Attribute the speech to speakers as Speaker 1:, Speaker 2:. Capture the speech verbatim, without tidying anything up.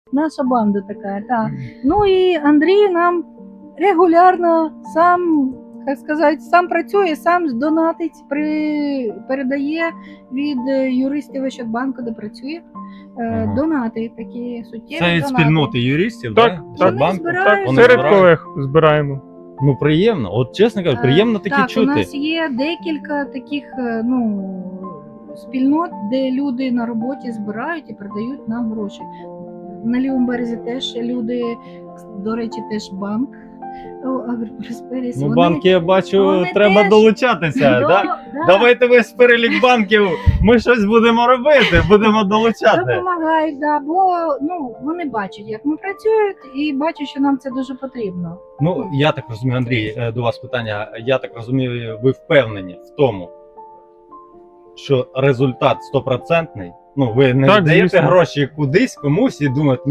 Speaker 1: Наша банда така, так. Ну і Андрій нам регулярно сам, як сказати, сам працює, сам донатить, при, передає від юристів Ощадбанку, де працює,
Speaker 2: Ага.
Speaker 1: донати такі суттєві.
Speaker 2: Це від
Speaker 1: донати.
Speaker 2: спільноти юристів,
Speaker 3: Так,
Speaker 2: да?
Speaker 3: так.
Speaker 2: Ощадбанку?
Speaker 1: збирають.
Speaker 3: Так,
Speaker 2: Вони
Speaker 3: серед
Speaker 2: збирають.
Speaker 3: колег збираємо.
Speaker 2: Ну приємно, от чесно кажу, приємно такі
Speaker 1: так,
Speaker 2: чути.
Speaker 1: У нас є декілька таких е, ну, спільнот, де люди на роботі збирають і передають нам гроші. На лівому березі теж люди, до речі, теж банк Агропросперіс.
Speaker 2: Ну, банки, я бачу,
Speaker 1: вони
Speaker 2: треба
Speaker 1: теж-
Speaker 2: долучатися.
Speaker 1: До-
Speaker 2: Да?
Speaker 1: да,
Speaker 2: Давайте весь перелік банків, ми щось будемо робити, будемо долучати.
Speaker 1: допомагають, да, бо ну, вони бачать, як ми працюють, і бачать, що нам це дуже потрібно.
Speaker 2: Ну, я так розумію, Андрій, е, до вас питання. Я так розумію, ви впевнені в тому, що результат стопроцентний. Ну, ви не
Speaker 3: Так,
Speaker 2: даєте
Speaker 3: звісно.
Speaker 2: гроші кудись комусь і думаєте,